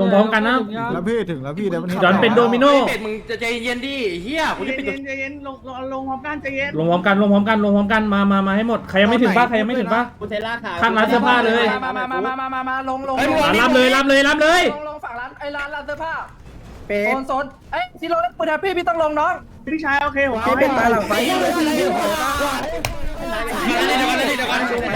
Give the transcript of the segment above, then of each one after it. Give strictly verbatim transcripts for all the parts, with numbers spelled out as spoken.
ลงพร้อมกันนะแล้วพี่ถึงแล้วพี่เดี๋ยวมันย้อนเป็นโดมิโนเป็ดมึงจะใจเย็นดิเฮียกูจะปิดใจเย็นลงลงพร้อมกันใจเย็นลงพร้อมกันลงพร้อมกันลงพร้อมกันมามามาให้หมดใครยังไม่ถึงป่ะใครยังไม่ถึงป่ะกูเทล่าขายข้างร้านเสื้อผ้าเลยมามามามามามามาลงลงรับเลยรับเลยรับเลยลงลงฝั่งร้านไอ้ร้านร้านเสื้อผ้าโซนโซนเอ้ยที่ลงเล่นปืนแฮปปี้พี่ต้องลงน้องพี่ชายโอเคผมเอาเป็นตาหลังไฟเดี๋ยวกันเดี๋ยวกัน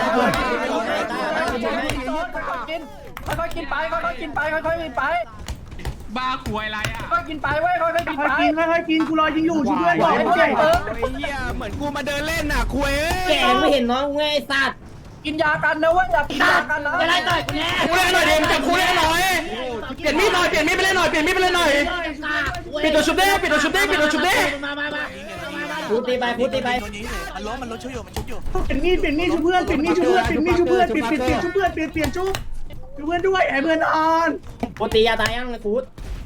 กินค่อยๆกินไปค่อยๆกินไปค่อยๆกินไปบ้าคุยอะไรอ่ะค่อยๆกินไปเว้ยค่อยๆกินค่อยไปกินค่อยกินกูรอยิงอยู่ช่วยเพื่อนก่อนไอ้เพื่เพื่ออน นเติมไอ้เฮียเหมือนกูมาเดินเล่นน่ะคุยแกไม่เห็นน้องไงไอ้สัตว์กินยากันนะเว้ยอย่ากินยากันนะจะไล่ต่อยกูแน่กูเล่นหน่อยเดี๋ยวจับกูเล่นหน่อยเปลี่ยนมีดหน่อยเปลี่ยนมีดไปเล่นหน่อยเปลี่ยนมีดไปเล่นหน่อยปิดตัวชุบเด้ปิดตัวชุบเด้ปิดตัวชุบเด้มามามาพูดตีไปพูดตีไปมันล้มมันล้มช่วยอยู่มันชุบอยู่เปลี่ยนมีดเปลี่ยนมีดช่วยเพื่อนเปลี่ยนมีดช่วยเพื่อนเปลี่ยนมีดช่วยเพื่อนเปลี่ยนเปลี่ยนเปลี่ยนช่วยเพื่อนเปลี่ยนเปลี่ยนชุบช่วยเพื่อนด้วยไอ้เพื่อนอ่อนพูดตียาตายยังพูด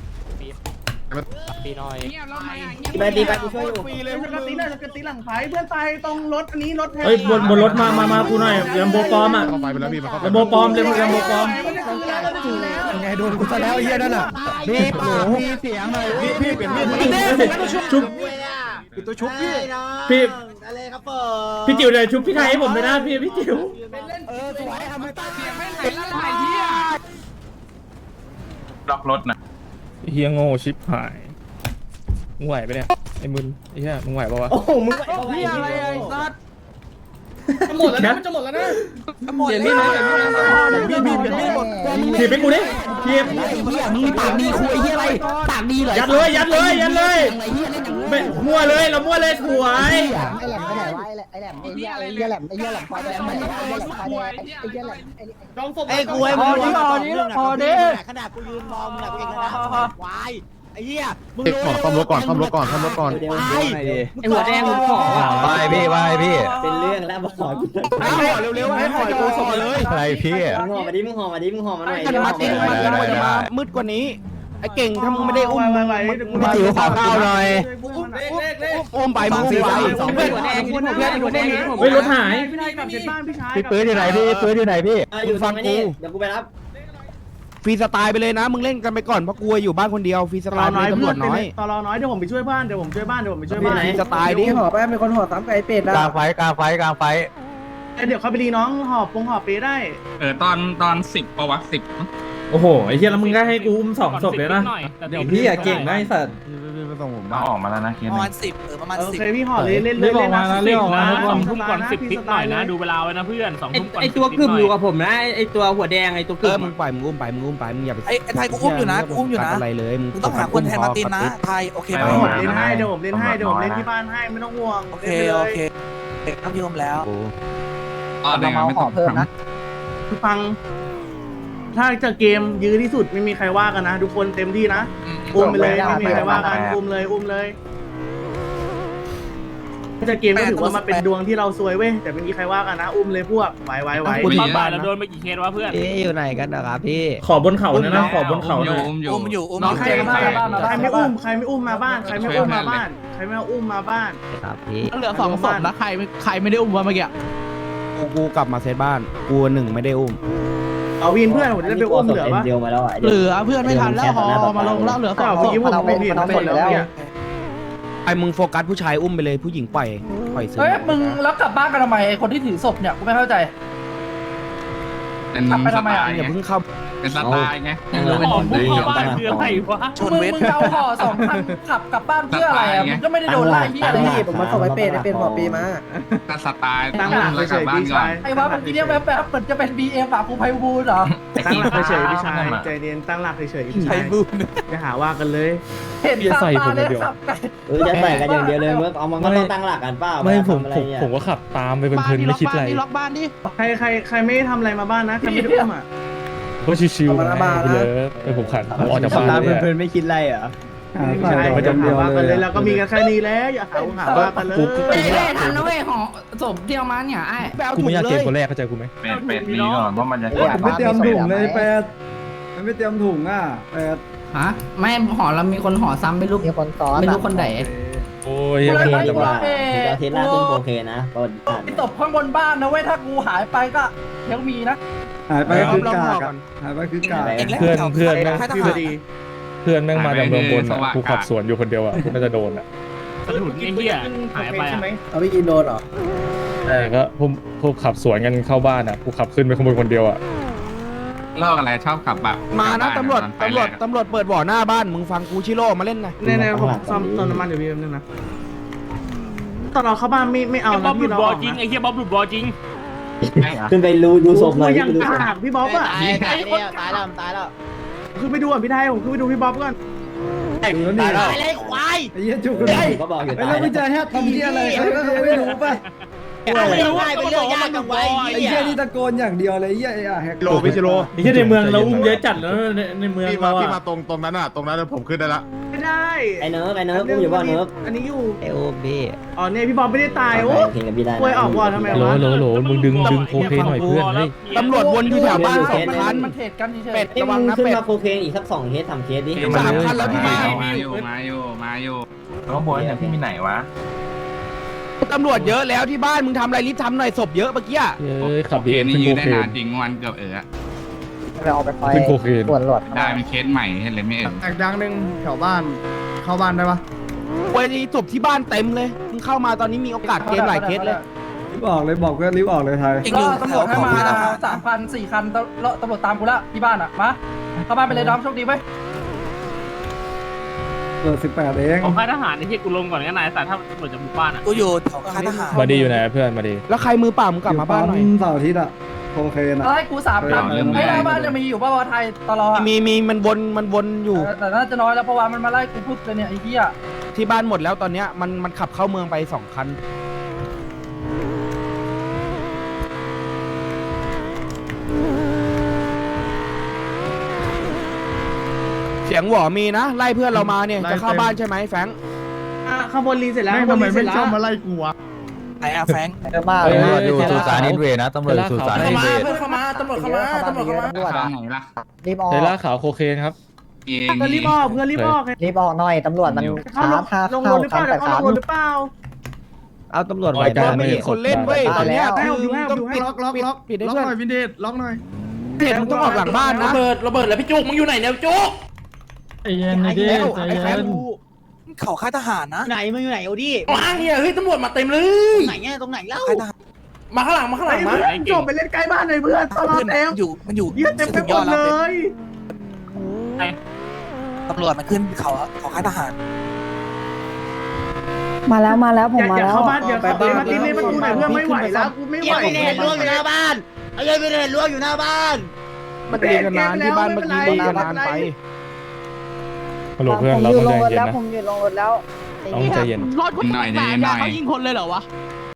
เงียบแล้วไหมอ่ะเงียบตีไปตีไปกูช่วยอยู่สกัดตีหน่อยสกัดตีหลังไฟเพื่อนตายตรงรถอันนี้รถเฮ้ยบนบนรถมามามากูหน่อยเรมโบปลอมอ่ะเข้าไปไปแล้วพี่มันเข้าไปเรมโบปลอมเรมเรมโบปลอมไงโดนกูซะแล้วไอ้เหี้ยนั่นน่ะพี่ปากมีเสียงหน่อยพี่พี่เปลี่ยนมีดมาชุบปิดตัวชุบพี่พี่อะไรครับผมพี่จิ๋วเลยชุบพี่ไทยให้ผมเลยนะพี่พี่จิ๋วเออสวยทำให้ตาเสียงไม่ไหลแล้วไหลเฮียล็อกรถนะเฮียโง่ชิบหายมึงไหวปะเนี่ยไอ้มึนไอ้เหี้ยมึงไหวปะวะโอ้โหมึงไหวพี่อะไรไอ้สัตว์หมดแล้วนะมันจะหมดแล้วนะเปลี่ยนมีดเลยเปลี่ยนมีดเลยพี่พี่เปลี่ยนมีดหมดถีบไปกูดิถีบมึงปากดีคุยเหี้ยอะไรปากดีเหรอยัดเลยยัดเลยยัดเลยไม่มั่วเลยเรามั่วเลยถวยไอ้แหลมไปไหนวะไอ้แหลมไอ้แหลมไอ้เหี้ยไอ้เหี้ยแหลมไอ้เหี้ยแหลมไฟแดงไอ้เหี้ยแหลมไฟแดงไอ้เหี้ยแหลมไอ้ร้องศพไอ้กูไอ้พอดิพอดิพอดิขนาดกูยืนมองมึงอะกูเองนะควายไอ้เหี้ยมึงขอซ่อมรถก่อนซ่อมรถก่อนซ่อมรถก่อนเดี๋ยวไอ้หัวแดงมึงขอไปพี่ไปพี่เป็นเรื่องแล้วบอกให้ห่อเร็วๆให้ห่อกูส่งมาเลยอะไรพี่มึงห่อมาดิมึงห่อมาดิมึงห่อมาหน่อยกันมาเต็มมาเต็มจะมามืดกว่านี้ไอ้เก่งถ้ามึงไม่ได้อุ้มไวไวพี่จิ๋วขอข้าวหน่อยอุ้มไปมึงอุ้มไปสองเพื่อนหัวแดงเพื่อนหัวแดงเฮ้ยรถหายพี่นายกลับเสร็จบ้านพี่ชายพี่ปื้ดอยู่ไหนพี่ปื้ดอยู่ไหนพี่อยู่ฟังนี่เดี๋ยวกูไปรับฟรีสไตล์ไปเลยนะมึงเล่นกันไปก่อนเพราะกลัวอยู่บ้านคนเดียวฟรีสตไตลอล์น้อยตำรเพื่อวน จน้อยตลอน้อยเดี๋ยวผมไปช่วยบ้านเดี๋ยวผมช่วยบ้านเดี๋ยวผมไปช่วยบ้านฟรีสไตล์ดิห่อแป๊บมีคนห่อซ้ำไก่เป็ดกลางไฟกลางไฟกลางไฟเดี๋ยวเขาไปรีน้องหอบปงหอบเปได้เออตอนตอนสิบประวัติสิบโอ้โหไอ้เหี้ยแล้วมึงก็ให้กูอุ้มสองศพเลยนะเดี๋ยวพี่อะเก่งนะไอ้สัตว์ไม่ต้องผมมาออกมาแล้วนะเคสประมาณสิบเออประมาณโอสิบเคพี่หอบเลยเล่นเลยเล่นนะสองทุ่มก่อนสิบนิดหน่อยนะดูเวลาไอตัวกึ่มอยู่กับผมนะไอตัวหัวแดงไอตัวกึ่มมึงปล่อยมึงอุ้มไปมึงอุ้มไปมึงอย่าไปไอ้ไอ้ไทยกูอุ้มอยู่นะกูอุ้มอยู่นะอะไรเลยมึงต้องหาคนแทนมาร์ตินนะไทยโอเคไหมผมเล่นให้เดี๋ยวผมเล่นให้เดี๋ยวผมเล่นที่บ้านให้ไม่ต้องห่วงโอเคโอเคครับพี่อมแล้วอ๋อเนี่ยไม่ต้องทำคือฟัง ถ้าจะเกมยื้อที่สุดไม่มีใครว่ากันนะทุกคนเต็มที่นะอุ้มไปเลยไม่มีใครว่ากันอุ้มเลยอุ้มเลยถ้าจะเกมก็ถือว่ามันเป็นดวงที่เราซวยเว้ยแต่ไม่มีใครว่ากันนะอุ้มเลยพวกไหวไหวไหวกูตอนบ่ายแล้วโดนพี่อยู่ไหนกันนะครับพี่ขอบนเขาเนี่ยนะขอบนเขาอเนี่ยู่ยอุ้มอยู่อุ้มอยู่อุ้มใครใครใครไม่อุ้มใครไม่อุ้มมาบ้านใครไม่อุ้มมาบ้านใครไม่อุ้มมาบ้านครับพี่เหลือสองศพนะใครใครไม่ได้อุ้มวะเมื่อกี้กูกูกลับมาเซตบ้านกูหนึ่งไม่ได้อุ้มเอาวินเพื่อนผมจะได้ไปอุ้มเหลือปะเดียวมาแล้วอ่ะเหลือเพื่อนไม่ทันแล้วฮอมาลงแล้วเหลือสองศพผมผมเห็นหมดแล้วเนี่ยไอ้มึงโฟกัสผู้ชายอุ้มไปเลยผู้หญิงปล่อยปล่อยซื้เฮ้ยมึงแล้วกลับบ้านกันทำไมไอ้คนที่ถือศพเนี่ยกูไม่เข้าใจเป็นกลับไปสทำไมไตอ่ะล์อย่าไงเพิ่งเข้าเป็นสไตล์ไงเป็นคนดีของบ้านคืออะไรชนมึงเวทมึงเอาห่อสองพันขับกลับบ้านเพื่ออะไรอ่ะมึงก็ไม่ได้โดนไล่ที่อะไรพี่ผมมาส่งไปเป็ดเป็นหัวปีมาก็สไตล์ตั้งหลักแล้วเฉกลับยบ้านพี่ก่อชาน ยไอ้ว่าเมื่อกี้เนี่ยแวบๆเหมือนจะเป็น บี เอ็ม อ่ะกูไพบูลย์เหรอตั้งหลักเฉยพี่ชายใจเย็นตั้งหลักเฉยพี่ชายอย่าหาว่ากันเลยเห็นตาตาเลยสับไก่เออจะใส่กันอย่างเดียวเลยเมื่อเอามันก็ต้องตั้งหลักกันเปล่าไม่ผมอะไรผมเนี่ยผมก็ขับตามไปเพลินๆไม่คิดอะไรใครใครใครไม่ได้ทำอะไรมาบ้านนะใครไม่ได้อุ้มอ่ะก็ชิวๆนะไปเลยไปผมขันผมออกจากบ้านตามเลยเพลินๆไม่คิดอะไรเหรอพี่ชายอย่าหาว่ากันเลยแล้วก็มีกันแค่นี้แล้วอย่าหาหาว่ากันเลยเอ้ทันนะเว้ยห่อศพที่เอามาเนี่ยไอ้กูไม่อยากเกมคนแรกเข้าใจกูไหมเป็ดเป็ดนี้ก่อนเพราะมันจะไม่เตรียมถุงเลยแปดไม่เตรียมถุงอ่ะฮะไม่ห่อเรามีคนห่อซ้ำไม่รู้มีคนซ้อนไม่รู้คนไหนโอ้ยโอเฮียเคโดนดีจังกหวะว่าถือว่าเทสลาซึ่งโอเคนะตอนไอ้ตบข้างบนบ้านนะเว้ยถ้ากูหายไปก็ยังมีนะหายไปคือกากหายไปคือกากเพื่อนเพื่อนแม่งเพื่อนแม่งมาจากเมืองบนอะกูขับสวนอยู่คนเดียวอ่ะกูน่าจะโดนอ่ะสะดุดไอ้เหี้ยหายไปอ่ะเอาไปกินโดนเหรอแต่ก็พวกพวกขับสวนกันเข้าบ้านอ่ะกูขับขึ้นไปขโมยคนเดียวอ่ะเลิกอะไรชอบขับแบบมานะตำรวจตำตำรวจตำรวจเปิดบ่อหน้าบ้านมึงฟังกูชิโร่มาเล่นนะเนี่ยๆผมซ่อมต้นน้ำมันอยู่พี่แป๊บนึงนะตอนเราเข้าบ้านไม่ไม่เอาบ๊อนะบหลุพี่ดเราบอออกจริงนะไอ้เหี้ยบ๊อบหลุดบอจริงขึ้นไปดูดูศพหน่อยยังกากพี่บ๊อบอ่ะตายตายแล้วตายแล้วตายแล้วขึ้นไปดูอ่ะพี่ไทยผมขึ้นไปดูพี่บ๊อบก่อนตายเลยควายไอ้เหี้ยจุกเลยก็บอกอยู่ตายแล้วไม่ใจแฮปทำเหี้ยอะไรไม่รู้ป่ะไม่รู้เป็นเรื่องยากจังไว้ไอ้เหี้ยนี่ตะโกนอย่างเดียวเลยไอ้เหี้ยไอ้แฮกโลพิชโลไอ้เหี้ยในเมืองเราอุ้มเยอะจัดแล้วในในเมืองพี่มาเราพี่มาอะตรงตรงนั้นอ่ะตรงนั้นผมขึ้นได้ละไม่ได้ไอ้เนิร์ฟไอ้เนิร์ฟอุ้มอยู่ป่ะเนิร์ฟอันนี้อยู่ไอ้โอ้พี่อ๋อเนี่ยพี่บ๊อบไม่ได้ตายโอ้เพลงกับพี่ได้ป่วยออกวอทำไมโหลวะโหลโหลมึงดึงดึงโคเคนหน่อยเพื่อนเฮ้ยตำรวจวนอยู่แถวบ้านสองคันมันเทรดกันเฉยเป็ดไอ้ระวัมึงงนะขึ้นเป็ดมาโคเคนอีกสักสองเคสสามเคสดิสามคันแล้วที่บ้านมาอยู่มาอยู่มาอยู่ข้างบนเนี่ยพี่มีไหนวะตำรวจเยอะแล้วที่บ้านมึงทำอะไรรีบทำหน่อยศพเยอะเมื่อกี้เฮ้ยขับโอดีเคเอ็นนี่ขึ้นยืโคนได้เคนนานจริงวันเกือบเออไปเอาไปไฟขึ้นโคเคนส่วนหลอดได้เป็นเคสใหม่เห็นเลยไม่เออแตกดังหนึ่งแถวบ้านเข้าบ้านได้ปะวันนี้ศพที่บ้านเต็มเลยมึงเข้ามาตอนนี้มีโอกาสเกมหลายเคสเลยรีบออกเลยบอกเพื่อนรีบออกเลยไทยๆก็ตำรวจให้มาสามพันสี่คันตำรวจตามกูละที่บ้านอ่ะมาเข้าบ้านไปเลยดอมโชคดีไหมเปิดสิบแปดเองของค่ายทหารไอ้เหี้ยกูลงก่อนก็นายแต่ถ้าตำรวจจะบุกบ้านอ่ะกูอยู่แถวค่ายทหารมาดีอยู่ไหนเพื่อนมาดีแล้วใครมือเปล่ามึงกลับมาบ้านหน่อยเสาร์อาทิตย์อะโอเคนะให้กูสามคันให้หน้าบ้านจะมีอยู่ป่าวไทยตลอดมีมีมันวนมันวนอยู่แต่น่าจะน้อยแล้วเพราะว่ามันมาไล่กูพูดเลยเนี่ยไอ้เหี้ยที่บ้านหมดแล้วตอนเนี้ยมันมันขับเข้าเมืองไปสองคันเสียงหวอมีนะไล่เพื่อนเรามาเนี่ยจะเข้าบ้านใช่ไหมแฟงอ่ะข้างบนรีเสร็จแล้วข้างบนรีเสร็จแล้วไอ้อาแฟงเยอะมากเฮ้เลยยอยู่สุสานนิเวศนะตำรวจสุสานนิเวศเพื่อนเข้ามาตำรวจเข้ามาตำรวจเข้ามาตำรวจข้าอะงไหนล่ะรีบออกเทล่าขาวโคเคนครับเองเพื่อนรีบออกเพื่อนรีบออกรีบออกหน่อยตำรวจมันเข้าช้าท่าลงรเข้าถหรือเปคัล่าน เดี๋แต่ยวเข้าสามลงรถหรือเปล่าเอาตำรวจรายการไม่เห็นคนเล่นเว้ยตอนเนี้ยให้คือผมให้ผมต้องให้ปิดล็อกล็อกปิดล็อกปิดให้ล็อกเพื่อนหน่อยวินเดชล็อกหน่อยเห็นมึงต้องออกหลังบ้านนะระเบิดระเบิดแล้วพี่จุกมึงอยู่ไหนเนี่ยจุกไอ้เย็นไอ้เย็แล้นวใจไอ้แฟเย็นนกูเขาค่ายทหารนะไหนมึงอยู่ไหนโอดี้ว้างเนี่ยเฮ้ยตำรวจมาเต็มเลตรยงไหนเนี่ยตรงไหนเล่าค่ายทหารมาข้างหลังมาข้างหลังมาไอ้จบไปเล่นใกล้บ้านหน่อยเพื่อนตลอดเพื่อนเต็มอยู่มันอยู่เยี่ยเต็มไปหมดเลยตำรวจมันขึ้นเขาเขาค่ายทหารมาแล้วมาแล้วผอมย่ามาอย่าแล้วเข้าบ้านอย่าเข้าบ้านมาตีในประตูหน่อยเพื่อนไม่ไหวแล้วกูไม่ไหวไม่ได้เห็นล่วงอยู่หน้าบ้านไอ้ยัยไม่ได้เห็นล่วงอยู่หน้าบ้านมันเรียนกันนานที่บ้านเมื่อกี้มันนานไปฮัลโหลเพื่อนเราต้องใจเย็นนะผมอยู่ลงรถแล้วต้องใจเย็นหน่อยเย็นหน่อยเขายิงคนเลยเหรอวะ